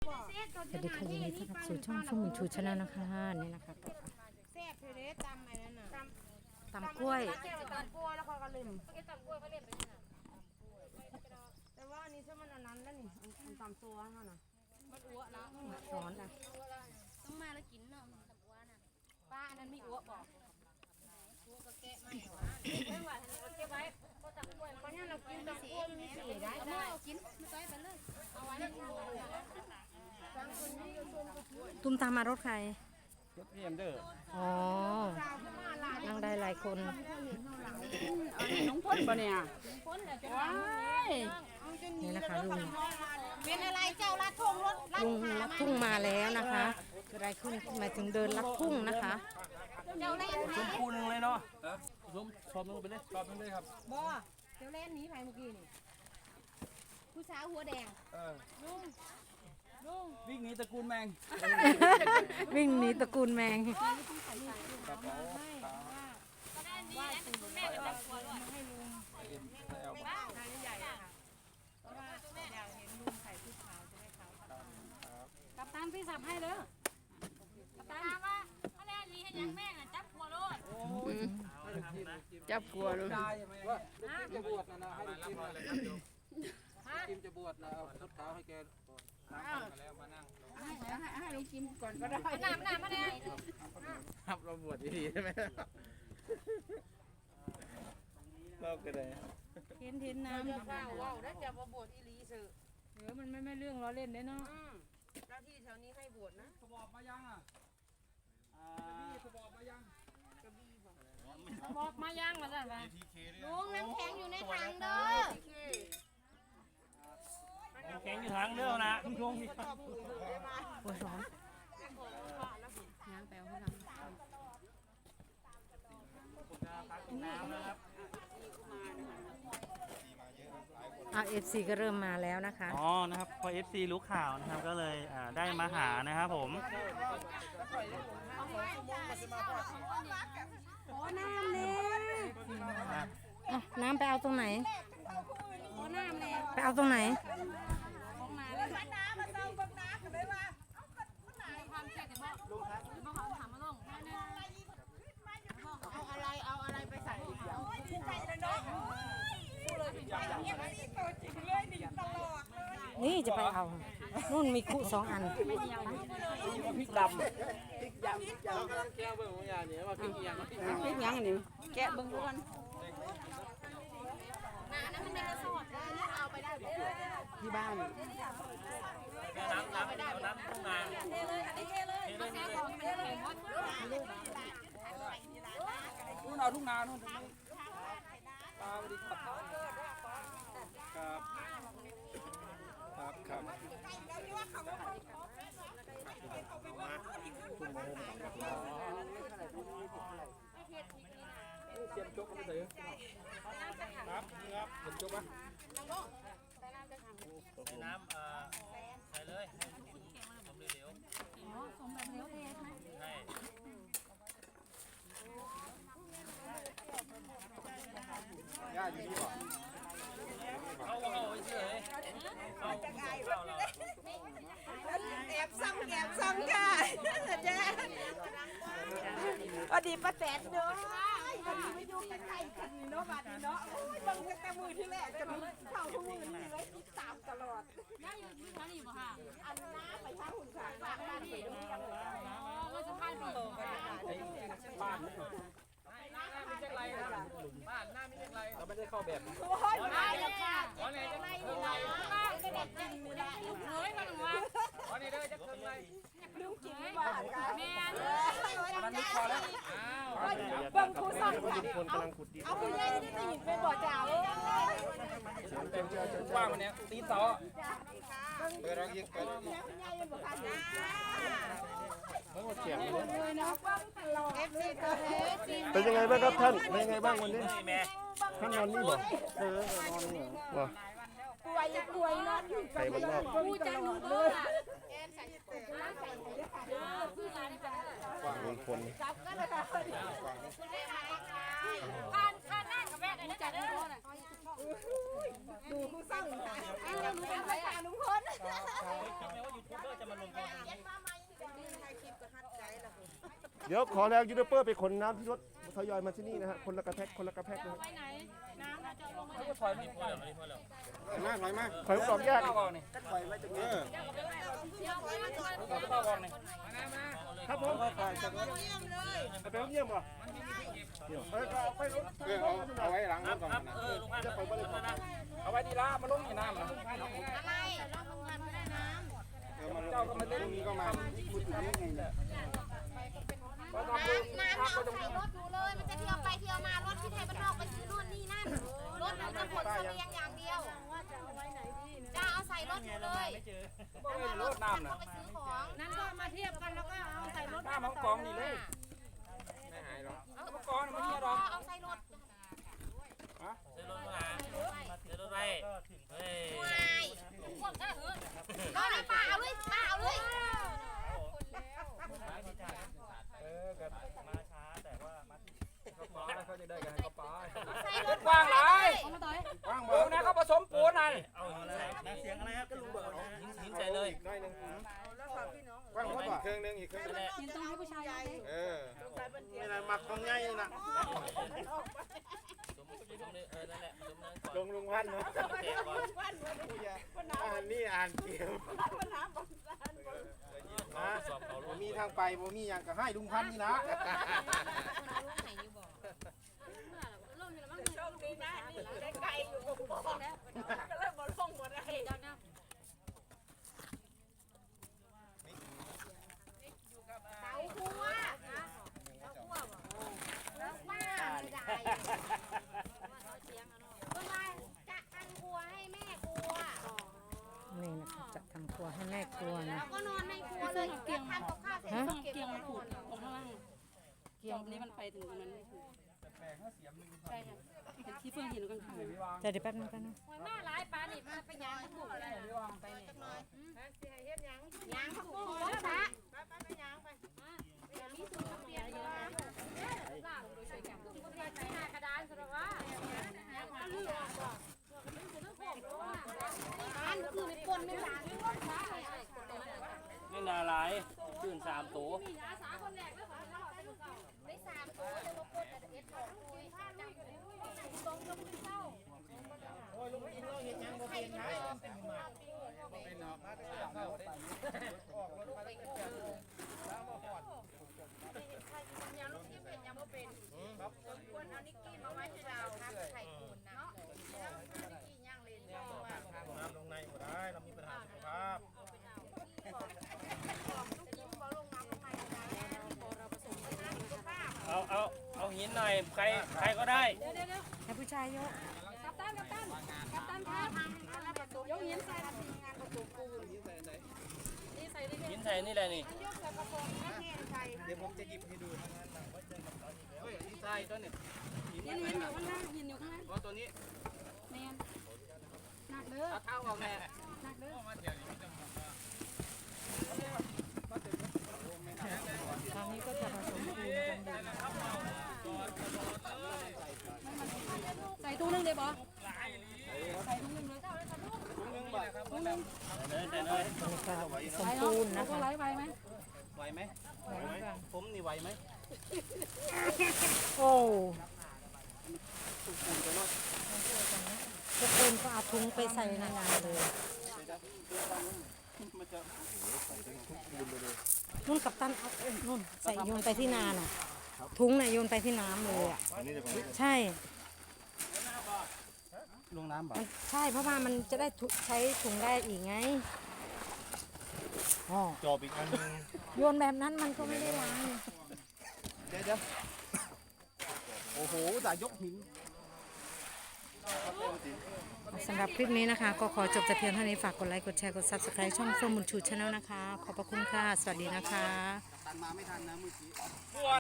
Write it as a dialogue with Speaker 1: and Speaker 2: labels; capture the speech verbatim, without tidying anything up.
Speaker 1: สวัสดีค่ะยินดีต้อนรับสู่ช่องช่องมินชูชาแนลนะคะนี่นะคะ
Speaker 2: แซ่บเทเรสตำไอ้นั่นน่ะ
Speaker 1: ตำกล้วย
Speaker 2: ตำกล้วยแล้วเขาก็ลืมตำกล้วยเขาเล่นไปนี่น่ะแต่ว่าอันนี้ถ้ามันอันนั้นแล้วนี่มันตำตัวนั่นน่ะมันอ้วแล้ว
Speaker 1: สอนนะ
Speaker 3: ต้องมาแล้วกินเนาะตำอ้วนน่ะป้าอันนั้นมีอ้วบอกอ้วก็แกะไม่หรอไม่ไหวทันเราเก็บไว้ก็ตำกล้วย
Speaker 2: เพราะเนี่ยเรากินตำกล้วยมีสีได้
Speaker 3: เอามาเอากินไม่ต้อยไปเลยเอาไว้ให้ดู
Speaker 1: ตุ้มตามมารถใคร
Speaker 4: รถพี่เอ็มเดอร์
Speaker 1: อ๋อนั่งได้หลายคน
Speaker 2: น้องพ่นปะเนี่ย
Speaker 3: พ้นเลยจะ
Speaker 2: ว้าย
Speaker 1: นี่นะคะลุง
Speaker 2: เป็นอะไรเจ้าลัดทงรถลัด
Speaker 1: ลุงลัดทุ่งมาแล้วนะคะเกิดอะไรขึ้นหมายถึงเดินลัดทุ่งนะคะ
Speaker 2: เจ้าเล่น
Speaker 4: ชมพูหนึ่งเลยเนาะชมชมนึงไปเลยชมนึงเลยครับ
Speaker 2: บ่เจ้าเล่นหนีไปเมื่อกี้นี่ผู้สาวหัวแดง
Speaker 4: เออวิ่งหนีตระกูลแมง
Speaker 1: วิ่งหนีตระกูลแมง
Speaker 4: กระเป๋า
Speaker 3: ว่าคุณแม่จะตำกล้วยด้วย
Speaker 4: ให้เอา
Speaker 3: บ้าใหญ่ค่ะเพราะว่าอยากเห็นลุงใส่ชุดขาวจะได้ขาวกับตันพี่สับให้เด้อกับตันว่าเขาแล่นนี้ให้ยังแม่งจับหัวรถ
Speaker 2: จับกลัวเลย
Speaker 4: ได้ใช่ไหมว่าจะบวชนะนะให้กินเลยครับกินจะบวชนะเอาชุดขาวให้แกนั่งแล้วมานั่ง
Speaker 2: ให้ลุงกินก่อนก็ได้
Speaker 3: น้ำน้ำมาแน่
Speaker 4: ครับเราบวชดีๆใช่ไหมเราก็ได้
Speaker 2: เห็นเห็นน้ำ
Speaker 3: ว้าวว้าวได้จะมาบวชอีลีสื่อ
Speaker 2: เออมันไม่ไม่เรื่องล้อเล่นได้เนาะ
Speaker 3: เจ้าที่แถวนี้ให้บวชนะ
Speaker 4: สบอบมายังอ่ะพี่สบอบมายัง
Speaker 3: บอกมาย่างมาสั่นไป
Speaker 2: ลุงน้ำแข็งอยู่ในถังเด้อ
Speaker 4: แข็งอยู่ทางเรื่องนะทุ่งทุ่งพี่
Speaker 1: โอ้ยร้อน
Speaker 2: ยางแปลวให้เรา
Speaker 4: น้ำนะครับ
Speaker 1: เอาเอฟซีก็เริ่มมาแล้วนะคะ
Speaker 5: อ๋อ นะครับ พอ เอฟ ซี รู้ข่าวนะครับ ก็เลยอ่าได้มาหานะครับผม
Speaker 2: ขอน้ำเลย
Speaker 1: อ่ะน้ำไปเอาตรงไหน
Speaker 2: ขอน้ำเลย
Speaker 1: ไปเอาตรงไหน
Speaker 3: ของมาเลยน้ำมาเติมบังน้ำกันเลยว่าความเจ็บแต่บอกบอกเขาถามมาลงแค่นี้
Speaker 2: เอาอะไรเอาอะไรไปใส่
Speaker 1: นี่จะไปเอานู่นมีคุสองอัน
Speaker 4: พริกดำพริกยำพริกยำแก้วเบอร์ของยาเนี่ยว่าพริกยำพริก
Speaker 2: พริกยังนี่แกะเบิ่งดูกัน
Speaker 3: น้ำนั้นมันเป็นสอดเอาไปได้
Speaker 2: ที่บ้าน
Speaker 5: น้ำน้ำน้ำทุ่งนา
Speaker 3: เทเลยอันนี้เทเลยมาแซ่ของมันแข็งหมด
Speaker 4: นู่นเอาทุ่งนานู่นตรงนี้ปลาสวัสดีครับครับครับครับเสียมจกมาใส่ครับครับเสียมจกปะ
Speaker 5: ใส่น้ำเอ่อใส่เลยให้สมเหลว
Speaker 3: สมแบบเลี้ยวเทใช่ไหม
Speaker 5: ใช่
Speaker 4: ย่าอยู่นี่ป่ะ
Speaker 5: เข้าเข้าไปเฉยเข้าเข้าเรา
Speaker 2: แอบซ้ำแอบซ้ำค่ะเจ๊อดีป้าแตนเนาะวันนี้ไม่ยุ่งกันใครกันเนาะบัดนี้เนาะโอ้ยบังแต่มือที่แรกกันเข้าทุกมือนี่เลยติดตามตลอด
Speaker 3: ย่าอยู่ที่ท่านี่ป่ะค่ะ
Speaker 2: อันน้าไปทางหุ่นขาฝากบ้านไปดูยังเลย
Speaker 3: อ๋อว่าจะพายปีก
Speaker 4: บ้านนี่บ้านไม่ใช่ไรครับบ้านหน้าไม่ใช่ไรเราไม่ได้เข้าแบบ
Speaker 2: โอ้ยมาแล้วค่ะ
Speaker 4: วันนี้จะไม่
Speaker 3: ไม่ได้ไม่ได้จริงไม่ได้เฮ้ยมันว่า
Speaker 4: วันนี้ได้จะขึ้นเลย
Speaker 2: ลืมกินบ้านกัน
Speaker 3: แม่
Speaker 4: มันนึกพอแล้ว
Speaker 2: บังคูสั่งค่ะเอาคุณยายนี่ได้ยินเป็นบ่อจ่าเลย
Speaker 4: เป็นว่างวันนี้ตีเสาเปิดรักยิงเปิด
Speaker 2: คุณยายเป็นบ่อจ่า
Speaker 4: เพิ่งมาเขียน
Speaker 2: เลยเนาะบังตลอดเอฟซีตัวเอฟซี
Speaker 6: เป็นยังไงบ้างครับท่าน เป็นยังไงบ้างวันนี้
Speaker 5: นี่แม่
Speaker 6: ท่านนอนนี่บ่เออนอนนี่เหรอ
Speaker 2: ป่วยป่วยนอนอยู่
Speaker 6: ใส่บ้านนอก
Speaker 3: ผู้จังหนูเบอร์อ่ะคือร้านนี้จะได้
Speaker 6: มีคน
Speaker 2: จับก็เลยค่ะ
Speaker 3: ทานทานหน้ากับแม่เลยนะจ๊ะเด้อ
Speaker 2: ดูคู่สั่งค่ะเอาหนูเป็นภาษาลุงพล
Speaker 5: จำไว้ว่ายูทูบเบอร์จะ
Speaker 6: เดี๋ยวขอแรงยูทูบเบอร์ไปขนน้ำที่รถทยอยมาที่นี่นะฮะคนละกระแพ็กคนละกระแพ็กนะฮะ
Speaker 3: ไปไหนน้ำเราจะลงมา
Speaker 4: เขาก็ถอยไม่พอแล้ว
Speaker 6: ถอยมาถอยมาถอยออกแยก
Speaker 4: เข้าก่อนนี่
Speaker 6: ถอยไว้ตรงนี้
Speaker 4: เข้าก่อนนี่
Speaker 6: ครับผมไปไปเยี่ยมเหรอเออเอาไปรถเอาเอาไว้หลังรถก่อนนะ
Speaker 5: เออลุงพันธุ์
Speaker 6: จะไปบริษัท
Speaker 4: เอาไว้ดีละมาลงในน้ำนะ
Speaker 3: อะไรเราทำงานไม่ได้น้
Speaker 6: เออมาเจ้าก็มาเล่นนี้ก็มาพูดถึงเรื่องไงเนี่ย
Speaker 4: ก็ทำบุญ
Speaker 7: น้ำเอาใส่รถหนูเลย มันจะเที่ยวไปเที่ยวมารถที่ไทยบ้านนอกไปซื้อนู่นนี่นั่น รถมันจะขนเสบียงอย่างเดียวจะเอาใส่รถหนูเลย
Speaker 4: บ่เลยรถน้ำนะ
Speaker 7: ไปซื้อของ
Speaker 3: ำนั้นก็มาเทียบกันแล้วก็เอาใส่รถ
Speaker 4: น้ำมันกองนี่เลยไม่หายหรอกมันกองมันเฮียหรอก
Speaker 7: เอาใส่รถ
Speaker 5: เดินรถมาเดินรถไปเฮ้ย
Speaker 7: วายก็เลยป้าเอาเลยป้าเอาเลย
Speaker 4: เออกับ
Speaker 5: มาช้าแต่ว่ามา
Speaker 4: เขาป้าเขาจะได้กันเขาป้า
Speaker 7: ใส่
Speaker 4: รถกว้างหลาย
Speaker 3: เอามาต่อย
Speaker 6: ว่าง
Speaker 4: เออนะเขาผสมปูนนั่น
Speaker 5: เอาเสียงอะไรครับก็ลุงเบิร์ดหินใส่เลย
Speaker 6: น้อยหนึ่งว่างหมดป่ะเครื่องนึงอีกเครื่องนึง
Speaker 3: ยินต้องให้ผู้ชายเอาเลย
Speaker 6: เออนี่นะหมักของง่ายนะ
Speaker 5: สมมติเออนั่นแหละสมนั้นก่อน
Speaker 6: ลงลุงพันธ์นะ
Speaker 5: เตะก่อน
Speaker 6: อ่านนี่อ่านเกม
Speaker 5: สอบเขา
Speaker 6: ผมมีทางไปผมมีอย่างก็ให้ลุงพันธ์นี่นะ
Speaker 7: เตาคั่วเตาคั่วแล้วป้าไม่ได้ก็มาจะอันครัวให้แม่ครัว
Speaker 1: นี่นะคะจะทำครัวให้แม่ครัวนะ
Speaker 7: แล้วก็นอนในครัวเลยเตียงทำกับข้าวเสร็จก็เก็บ
Speaker 3: เกียง
Speaker 7: ไว้
Speaker 3: มัน
Speaker 7: น
Speaker 3: ผู
Speaker 7: อก น
Speaker 3: ตรงข้างล่างเกียงนี้มันไปถึงตรงนั้นไม่ถูกใช่ค่ะเห็นที่เฟื่องเห็นกันข้าง
Speaker 1: เดี๋ยวเดี๋ยวแป๊บนึงแป๊บนึง
Speaker 3: หน้าร้ายปลานี่มาไปยางถูกเลย
Speaker 7: ไปเนี่ยยางผักบุ้งรถพระมีสูตรเปลี่ยนเลย
Speaker 3: ล่างโดยใช้แกมตุ้งก็ไปใช้หน้ากระดานสำหรับว่า
Speaker 7: อันคือไม่ปนไม่ล้าง
Speaker 5: ไม่นาลายตื่นสามตัว
Speaker 3: อาสาคนแรกแล้วของเรา
Speaker 7: ได้สามตัวแต่ว่าปนแต่เอ็ดออกคุยผ้าจับตรงตรงเศร้า
Speaker 3: ยังลูกที่เป็นยังไม่เป็นควรเอานิกกี้มาไว้ที่เรา
Speaker 7: ไข่ปูนนะ
Speaker 3: นิกกี้ย่างเลน
Speaker 6: น้ำลงในหมดได้เรามีปัญหาสุขภาพ
Speaker 5: เอาเอาเอาหินหน่อยใครใครก็ได้
Speaker 1: ให้ผู้ชายยก
Speaker 3: กัปตันกัปตันกัปตันครับยกหินใส่นี่ใส่ดิ
Speaker 5: หินใส่นี่แหละนี่
Speaker 6: เดี๋ยวผมจะหยิบให้ดูนะเฮ้ยนี่ใช่ตัวนี้
Speaker 3: หินหินอยู่ข้างล่างหินอยู่ข้างล่าง
Speaker 6: ว่าตัวนี้
Speaker 3: แมนหนักเด้อ
Speaker 6: เอาเท้าออกแน่
Speaker 3: หนักเด้อ
Speaker 1: ตอนนี้ก็จะผสมปูนกันอยู่
Speaker 3: ใส่ตู้นึงเลยบอใส่ตู้นึงเลย
Speaker 5: เลยเลย
Speaker 1: นี่ก็ผสมปูนนะ
Speaker 3: ก็
Speaker 1: คะ
Speaker 3: ไหลไปไหม
Speaker 6: ไหวไหมผมนี่ไหวไหม
Speaker 1: โอ้ทุกคนก็เอาถุงไปใส่ในงานเลยนุ่นกับตันเอาเอ้ยนุ่นใส่โยนไปที่นาน่ะถุงน่ะโยนไปที่น้ำเลยอ่ะใช่
Speaker 6: ลงน้ำบ่
Speaker 1: มันใช่เพราะว่ามันจะได้ถุใช้ถุงได้อีกไงอ๋อ
Speaker 6: จอบอีกอันนึง
Speaker 1: โยนแบบนั้นมันก็ไม่ได้ล้าง
Speaker 6: เดี๋ยวเดี๋ยวโอ้โหแต่ยกหิน
Speaker 1: สำหรับคลิปนี้นะคะ ก็ขอจบแต่เพียงเท่านี้ฝากกดไลค์กดแชร์กด ซับสไครบ์ ช่องเฟื่องบุญชูชาแนลนะคะ ขอบพระคุณค่ะ สวัสดีนะคะ
Speaker 6: ตันมาไม่ทันนะเมื่อกี้